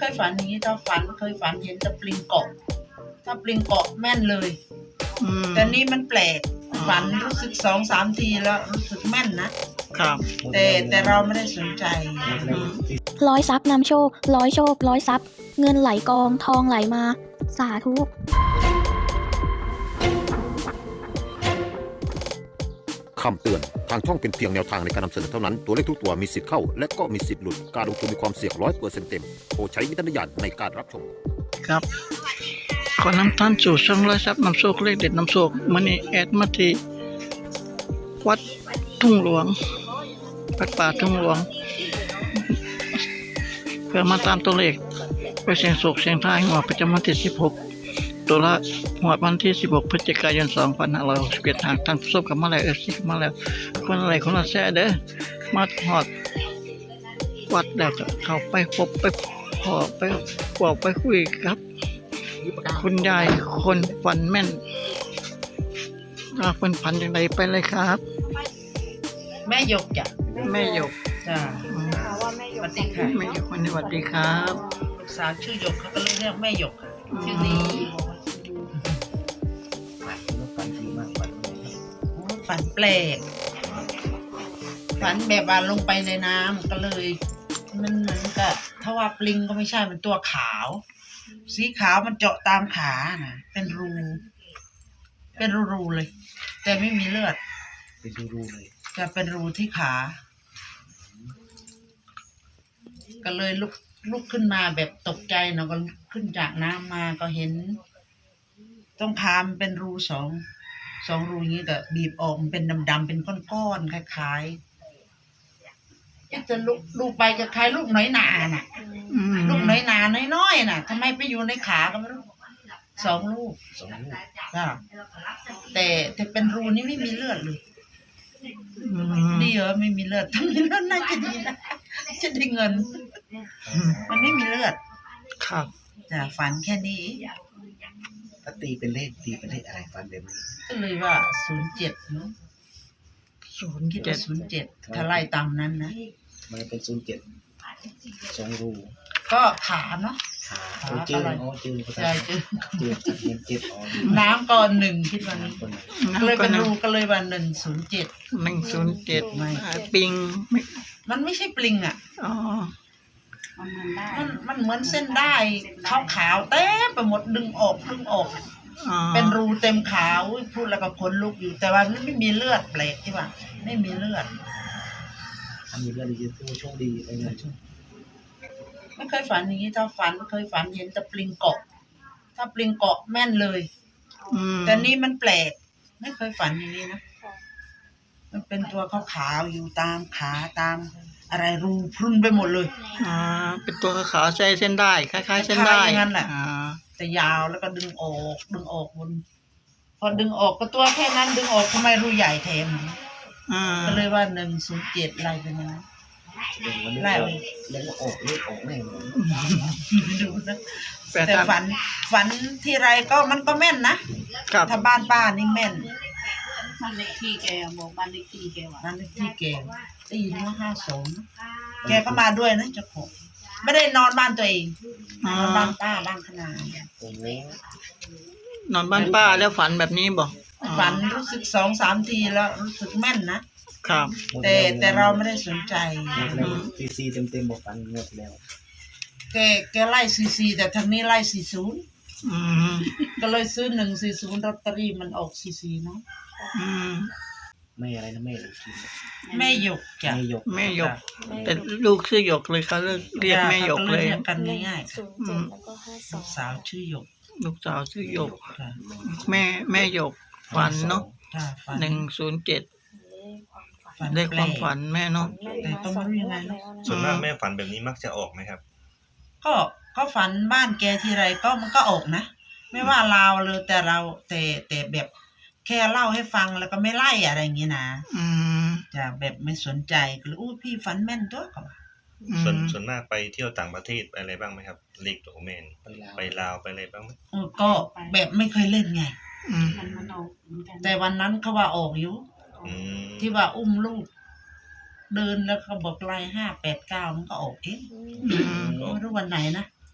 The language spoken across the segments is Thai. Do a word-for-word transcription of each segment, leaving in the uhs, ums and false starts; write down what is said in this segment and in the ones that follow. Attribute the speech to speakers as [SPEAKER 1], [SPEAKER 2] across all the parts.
[SPEAKER 1] เคยฝันอย่างนี้ถ้าฝันเคยฝันเห็นแต่ปลิงเกาะถ้าปลิงเกาะแม่นเลยแต่นี่มันแปลกฝันรู้สึกสองสามทีแล้วรู้สึกแม่นนะครับแต่แต่เราไม่ได้สนใจ
[SPEAKER 2] ร้อยทรัพย์นำโชคร้อยโชคร้อยทรัพย์เงินไหลกองทองไหลมาสาธุ
[SPEAKER 3] คำเตือนทางช่องเป็นเพียงแนวทางในการนำเสนอเท่านั้นตัวเลขทุกตัวมีสิทธิ์เข้าและก็มีสิทธิ์หลุดการลงทุนมีความเสี่ยงร้อยเปอร์เซ็นต์เต็มโปรดใช้วิจารณญาณในการรับชม
[SPEAKER 4] ครับขอนำท่านสู่ช่องร้อยทรัพย์นำโชคเลขเด็ดนำโชคมันนี่แอดมาที่วัดทุ่งหลวงวัดป่าทุ่งหลวงเพื่อมาตามตัวเลขไปเสี่ยงโชคเสี่ยงทายหัวประจำวันที่สิบหกตัวละหัววันที่สิบหกพฤศจิกายนสองพันห้าร้อยหกสิบเอ็ดหากท่านผู้ชมกับมาแล้วเอฟซีมาแล้วคนอะไรคนละแซ่เด้อมาหอดวัดแล้วก็เข้าไปพบไปพอไปบอกไปคุยครับคุณยายคนฝันแม่นว่าคนฝันอย่างไรไปเลยครับ
[SPEAKER 1] แม่หยกจ้ะ
[SPEAKER 4] แม่หยก
[SPEAKER 1] จ้ะสวัสดีค่ะ
[SPEAKER 4] แม่หยกคนสวัสดีครับ
[SPEAKER 1] ลูกสาวชื่อหยกเขาก็เลยเรียกแม่หยกชื่อนี้ฝันดีมากฝันฝันแปลกฝันแบบว่าลงไปในน้ำก็เลยมันเหมือนกับถ้าว่าปลิงก็ไม่ใช่มันตัวขาวสีขาวมันเจาะตามขานะเป็นรูเป็นรูๆเลยแต่ไม่มีเลือด
[SPEAKER 5] เป็นรูๆเลย
[SPEAKER 1] จะเป็นรูที่ขาก็เลยลุกลุกขึ้นมาแบบตกใจเนาะก็ขึ้นจากน้ำมาก็เห็นต้องคามเป็นรูสองสองรูอย่างนี้แต่บีบออกมันเป็นดำๆเป็นก้อนๆคล้ายๆจะลุกลูกไปจะคล้ายลูกน้อยนาน่ะลูกน้อยนาน้อยๆน่ะทำไมไปอยู่ในขาก็ไม่รู้สองลูก
[SPEAKER 5] สองลูก
[SPEAKER 1] จ้ะแต่แต่เป็นรูนี้ไม่มีเลือดเลยดีเหรอไม่มีเลือดถ้ามีเลือดน่าจะดีนะจะได้เงินมันไม่มีเลือด
[SPEAKER 4] ครับ
[SPEAKER 1] จ้ะฝันแค่นี้
[SPEAKER 5] ถ้าตีเป็นเลขตีเป็นเลขอะไรฝันแบบนี้
[SPEAKER 1] ก็เลยว่าศูนย์เจ็ดเนาะ
[SPEAKER 4] ศูนย์
[SPEAKER 1] คิด
[SPEAKER 4] เจ็
[SPEAKER 1] ว่า
[SPEAKER 4] ด
[SPEAKER 1] ศูนย์เจ็ดถ้าไล่ตามนั้นนะ
[SPEAKER 5] มันเป็นศูนย์เจ็ดสองรู
[SPEAKER 1] ก็ขาเนาะ
[SPEAKER 5] ขาโอ้จืดโอ้จืด
[SPEAKER 1] ใช่จืด
[SPEAKER 5] จืดจากเงินเจ็ดอ๋อ
[SPEAKER 1] น้ำก่อนหนึ่งคิดว่านี้ก็เลยเป็นรูก็เลยว่าหนึ่งศูนย์เจ็ด
[SPEAKER 4] หนึ่งศูนย์เจ็ดปิง
[SPEAKER 1] มันไม่ใช่ปลิงอ่ะ
[SPEAKER 4] อ๋อ
[SPEAKER 1] มันมันเหมือนเส้นได้ขาวขาวเต็มไปหมดดึงออกดึงออกเป็นรูเต็มขาวพูดแล้วก็ขนลุกอยู่แต่ว่าไม่มีเลือดแปลกที่ว่าไม่มีเลือด
[SPEAKER 5] ทำมีเลือดดีถือว่าโชคดีไปเลย
[SPEAKER 1] ไม่เคยฝันอย่างนี้ถ้าฝันเคยฝันเห็นแต่ปลิงเกาะถ้าปลิงเกาะแม่นเลยแต่นี่มันแปลกไม่เคยฝันอย่างนี้นะมันเป็นตัวขาวๆอยู่ตามขาตามอะไรรูพรุนไปหมดเลย
[SPEAKER 4] อ่าเป็นตัวขาวใช้เส้นได้คล้ายๆเส้นได้
[SPEAKER 1] อย่างนั้นแหละแต่ยาวแล้วก็ดึงออกดึงออกบนพอดึงออกก็ตัวแค่นั้นดึงออกทำไมรูใหญ่แถมก็เลยว่าหนึ่งศูนย์เจ็ดอะไรเป็นยังไง
[SPEAKER 5] ไล่เลี้ยงออกเลี้ยงออกแน่เลย
[SPEAKER 1] ดูนะแต่ฝันฝันทีไรก็มันก็แม่นนะถ้าบ้านป้านี่แม่น
[SPEAKER 6] บ้านเลขที่แกบอกบ้านเลขที่แกว่า
[SPEAKER 1] บ้านเลขที่แกได้ยินว่าห้าสองแกก็มาด้วยนะเจ้าของไม่ได้นอนบ้านตัวเองนอนบ้านป้าบ้านขนาด
[SPEAKER 4] นอนบ้านป้าแล้วฝันแบบนี้บอก
[SPEAKER 1] ฝันรู้สึกสองสามทีแล้วรู้สึกแม่นนะครับแต่แต่เราไม่ได้สนใจ
[SPEAKER 5] ซีซีเต็มเต็มบอกฝันหมดแล้ว
[SPEAKER 1] แกแกไล่ซีซีแต่ทางนี้ไล่สี่ศูนย์ก็เลยซื้อหนึ่งสี่ศูนย์ลอตเตอรี่มันออกซีซีเนาะ
[SPEAKER 5] ไม่อะไรนะแม่
[SPEAKER 1] แม่หยกจ้ะ
[SPEAKER 4] แม่หยกแม่หยกแต่ลูกชื่อหยกเลยเขาเรียกแม่หยกเลย
[SPEAKER 1] กันง่ายๆลูกสาวชื่อหยก
[SPEAKER 4] ลูกสาวชื่อหยกแม่แม่หยกฝันเนาะหนึ่งศูนย์เจ็ดได้ความฝันแม่เนาะ
[SPEAKER 1] แต่ต้องรู้ยังไง
[SPEAKER 7] ส่วนมากแม่ฝันแบบนี้มักจะออกไหมครับ
[SPEAKER 1] ก็ก็ฝันบ้านแกทีไรก็มันก็ออกนะไม่ว่าลาวเลยแต่เราแต่แต่แบบแค่เล่าให้ฟังแล้วก็ไม่ไล่อะไรอย่างงี้นะจะแบบไม่สนใจก็เลยอู้พี่ฝันแม่นตัวก็
[SPEAKER 7] ส่วนส่วนมากไปเที่ยวต่างประเทศไปอะไรบ้างไหมครับเลขตัวแม่ไปลาวไปอะไรบ้างไหม
[SPEAKER 1] ก็แบบไม่เคยเล่นไงแต่วันนั้นเขาว่าออกอยู่ที่ว่าอุ้มลูกเดินแล้วเขาบอกไล่ห้าแปดเก้ามันก็ออกเองไม่รู้วันไหนนะ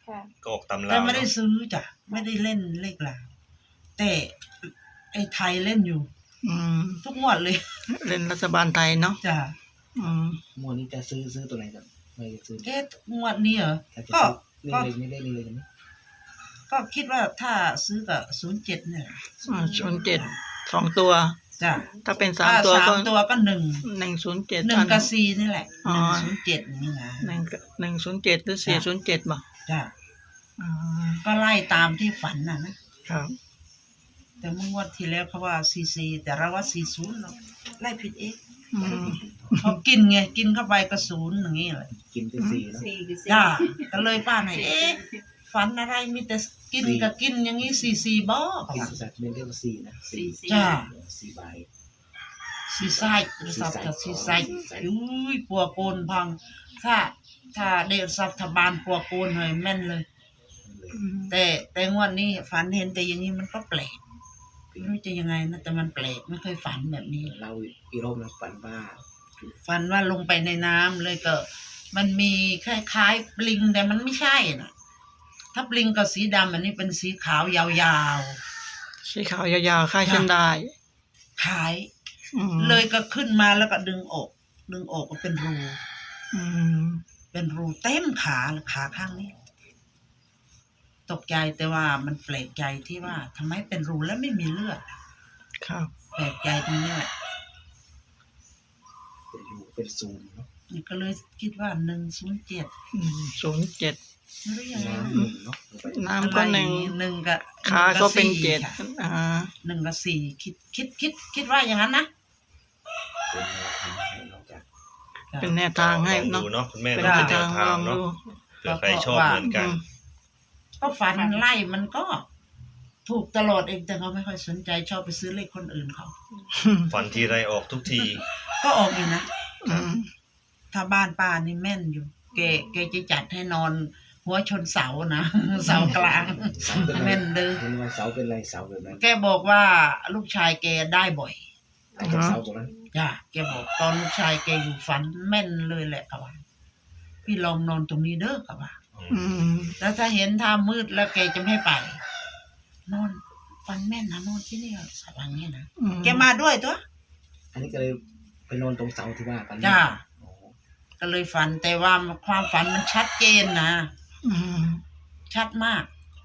[SPEAKER 7] ก็ออกตำรา
[SPEAKER 1] แต่ไม่ได้
[SPEAKER 7] เนาะ
[SPEAKER 1] ซื้อจ้ะไม่ได้เล่นเลขลาวแต่ไอ้ไทยเล่นอยู่
[SPEAKER 4] อืม
[SPEAKER 1] ทุกงวดเลย
[SPEAKER 4] เล่นรัฐบาลไทยเนาะ
[SPEAKER 1] จ้ะ
[SPEAKER 4] อืม
[SPEAKER 5] หมวดนี้จะซื้อซื้อตัวไหนกันไม่ได้ซื้อ
[SPEAKER 1] เอ๊ะงวดนี้เหรอ
[SPEAKER 5] ถ้าจะ
[SPEAKER 1] ก็
[SPEAKER 5] ซื้อ
[SPEAKER 1] ก็
[SPEAKER 5] เล่นเลยไม่เล่นเลยกันไหม
[SPEAKER 1] ก็คิดว่าถ้าซื้อกับศูนย์เจ็ดเนี่ย
[SPEAKER 4] ศูนย์เจ็ดสองตัว
[SPEAKER 1] จ้ะ
[SPEAKER 4] ถ้าเป็นสาม
[SPEAKER 1] ถ้า
[SPEAKER 4] ตัว
[SPEAKER 1] สา
[SPEAKER 4] ก็
[SPEAKER 1] มตัวก็หนึ่ง
[SPEAKER 4] หนึ่งศูนย์เจ็ด
[SPEAKER 1] หนึ่งกับสี่นี่แหละห
[SPEAKER 4] อ๋อ
[SPEAKER 1] นึ่งศูนย์เจ็ดนี่นะ
[SPEAKER 4] หนึ่งหนึ่งศูนย์เจ็ดหรือสี่ศูนย์เจ็ดบ่
[SPEAKER 1] จ้ะ
[SPEAKER 4] อ่า
[SPEAKER 1] ก็ไล่ตามที่ฝันน่ะนะครับ แต่เมื่องวดที่แล้วเขาว่าซีซีแต่เราว่าสี่ศูนย์เราไล่ผิดเอง
[SPEAKER 4] อืม
[SPEAKER 1] เขากินไงกินเข้าไปก็ศูนย์อย่างนี้เลย
[SPEAKER 5] กินเป็นสี่เนาะ
[SPEAKER 6] สี่คือสี่
[SPEAKER 1] จ้าก็เลยป้าหน่อยเอ๊ะฝันอะไรมีแต่กินกับกินอย่างนี้สี่สี่บ่
[SPEAKER 5] กินสัตว์เป็นเรียกว่าสี่นะ
[SPEAKER 6] สี่
[SPEAKER 5] สี่
[SPEAKER 6] สี่
[SPEAKER 1] จ้า
[SPEAKER 5] สี่ใบ
[SPEAKER 1] สี่ไส้สับกับสี่ไส้อุ้ยปัวโกนพัง ถ้าถ้าเด็กสับทบานปัวโกนเลยแม่นเลย
[SPEAKER 4] อืม
[SPEAKER 1] แต่แต่งวดนี้ฝันเห็นแต่อย่างนี้มันก็แปลกไม่รู้จะยังไงนะแต่มันแปลกไม่เคยฝันแบบนี้
[SPEAKER 5] เราอีโรบนะฝันว่า
[SPEAKER 1] ฝันว่าลงไปในน้ำเลยก็ มันมีคล้ายๆปลิงแต่มันไม่ใช่น่ะ ถ้าปลิงกับสีดำอันนี้เป็นสีขาวยาว
[SPEAKER 4] สีขาวยาวๆค่ายเส้นได้
[SPEAKER 1] ๆขาย
[SPEAKER 4] อืม
[SPEAKER 1] เลยก็ขึ้นมาแล้วก็ดึงอก ดึงอกก็เป็นรู
[SPEAKER 4] อืม
[SPEAKER 1] เป็นรูเต็มขาเลยขาข้างนี้ ตกใจแต่ว่ามันแปลกใจที่ว่าทำไมเป็นรูแล้วไม่มีเลือด
[SPEAKER 4] ครับ
[SPEAKER 1] แปลกใจตรงนี้แหละ
[SPEAKER 5] เป็นรูเป็นซูมเนาะ
[SPEAKER 1] นี่ก็เลยคิดว่าหนึ่งศูนย์เจ็ด
[SPEAKER 4] ศูนย์เจ็ด
[SPEAKER 1] ไม่รู้ยังไง
[SPEAKER 5] น้ำหนึ่งเนาะลงไป
[SPEAKER 4] น้ำก็หนึ่ง
[SPEAKER 1] หนึ่งกับ
[SPEAKER 4] ขาก็เป็น
[SPEAKER 1] หงบสี่
[SPEAKER 4] เจ็ด
[SPEAKER 1] ค่ะ
[SPEAKER 4] อ่า
[SPEAKER 1] หนึ่งกับสี่คิดคิดคิดคิดว่าอย่างนั้นนะ
[SPEAKER 5] เป็นแนวทางให้นอกจาก
[SPEAKER 4] เป็นแนวทางให้เนาะ
[SPEAKER 7] ลองดูเนาะคุณแม่
[SPEAKER 4] เป็น
[SPEAKER 7] เนาะ
[SPEAKER 4] แน
[SPEAKER 7] เป็น
[SPEAKER 4] ว
[SPEAKER 7] แน
[SPEAKER 4] ทาว ง
[SPEAKER 7] ทา
[SPEAKER 4] ล
[SPEAKER 7] ง
[SPEAKER 4] อง
[SPEAKER 7] เนาะ
[SPEAKER 4] ดู
[SPEAKER 7] เผื่อใครชอบเหมือนกัน
[SPEAKER 1] ก็ฝันไล่มันก็ ถูกตลอดเองแต่เขาไม่ค่อยสนใจชอบไปซื้อเลขคนอื่นเขา
[SPEAKER 7] ฝันทีไรออกทุกที
[SPEAKER 1] ก็ออกอยู่นะ
[SPEAKER 4] อืม
[SPEAKER 1] ถ้าบ้านป้านี่แม่นอยู่ แกแกจะจัดให้นอน หัวชนเสานะ เสากลาง
[SPEAKER 5] เสาเป็นไร
[SPEAKER 1] แม่นเลย
[SPEAKER 5] เห็นว่าเสาเป็นไรเสาแบบนั้น
[SPEAKER 1] แกบอกว่าลูกชายแกได้บ่อย
[SPEAKER 5] แต่จากเสาตรงนั้น
[SPEAKER 1] จ้ะแกบอกตอนลูกชายแกอยู่ฝันแม่นเลยแหละครับว่าพี่ลองนอนตรงนี้เด้อครับว่า
[SPEAKER 4] อืม
[SPEAKER 1] แล้วถ้าเห็นท่ามืดแล้วแกจะไม่ให้ไป นอนฝันแม่นนะนอนที่นี่สักวันนี้นะ
[SPEAKER 4] อื
[SPEAKER 1] แกมาด้วยตัว
[SPEAKER 5] อันนี้ก็เลยไปนอนตรงเสาที่ว่ากัน
[SPEAKER 1] จ้า
[SPEAKER 5] โอ้
[SPEAKER 1] ก็เลยฝันแต่ว่าความฝันมันชัดเจนนะ
[SPEAKER 4] อืม
[SPEAKER 1] ชัดมาก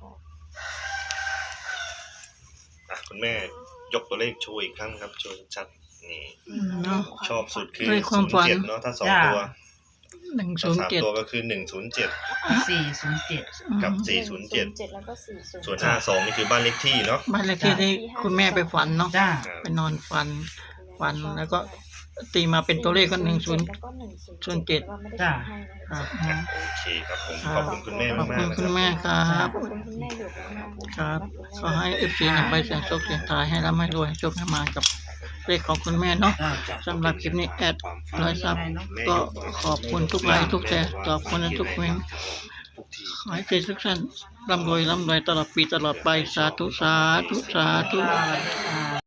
[SPEAKER 7] อ่ะคุณแม่ยกตัวเลขโชว์อีกครั้งครับโชว์ชัดๆนี่
[SPEAKER 4] เนาะ
[SPEAKER 7] ชอบสุดคือ
[SPEAKER 4] ด้วยควา
[SPEAKER 7] ศู
[SPEAKER 4] ม
[SPEAKER 7] นย์
[SPEAKER 4] ฝัน
[SPEAKER 7] เจ็ดเนาะถ้าสอง
[SPEAKER 1] จ้า
[SPEAKER 7] ตัว
[SPEAKER 4] หนึ่ง
[SPEAKER 7] ถ้า
[SPEAKER 4] ศูนย์
[SPEAKER 7] สาม
[SPEAKER 4] เจ็ด
[SPEAKER 7] ตัวก็คือหนึ่งศูนย์เจ็ด
[SPEAKER 1] สี่ศูนย์เจ็ด
[SPEAKER 7] กับสี่ศูนย์เจ็ด
[SPEAKER 8] แล้วก็สี่ศูนย์
[SPEAKER 7] ส่วนห้าสองนี่คือบ้านเลขที่เนาะ
[SPEAKER 4] บ้านเลขที่ที่คุณแม่ไปฝันเนาะ
[SPEAKER 1] จ้า
[SPEAKER 7] ครับ
[SPEAKER 4] ไปนอนฝัน ฝันแล้วก็ตีมาเป็นตัวเลขก็หนึ่งศูนย์
[SPEAKER 8] แล้วก็หนึ่งศูนย์
[SPEAKER 4] ศูนย์เจ็ด
[SPEAKER 8] แล้วก็ไม่ได้
[SPEAKER 1] จ้ะ
[SPEAKER 8] ให้นะ
[SPEAKER 4] ครั
[SPEAKER 8] คะ
[SPEAKER 4] บ
[SPEAKER 7] โอเคครับผม
[SPEAKER 4] ครับ
[SPEAKER 7] ขอบคุณคุณแม่
[SPEAKER 4] ขอบ
[SPEAKER 7] มาก
[SPEAKER 4] คุณ
[SPEAKER 7] ๆนะ
[SPEAKER 4] คุณ
[SPEAKER 7] รับ
[SPEAKER 4] แม่ครับ
[SPEAKER 8] ขอบคุณคุณแม่อยู่มากๆ
[SPEAKER 4] ครับขอให้เอฟซีนำไปเสียงโชคเสียงทายให้ร่ำให้รวยโชคให้มากับเลขของคุณแม่เนาะ
[SPEAKER 1] จ้าจ้า
[SPEAKER 4] สำหรับคลิปนี้แอดร้อยซับก็ขอบคุณทุกไลค์ทุกแชร์ขอบคุณทุกเมนต์ขอให้ทุกท่านร่ำรวยร่ำรวยตลอดปีตลอดไปสาธุสาธุสาธุ
[SPEAKER 1] จ้า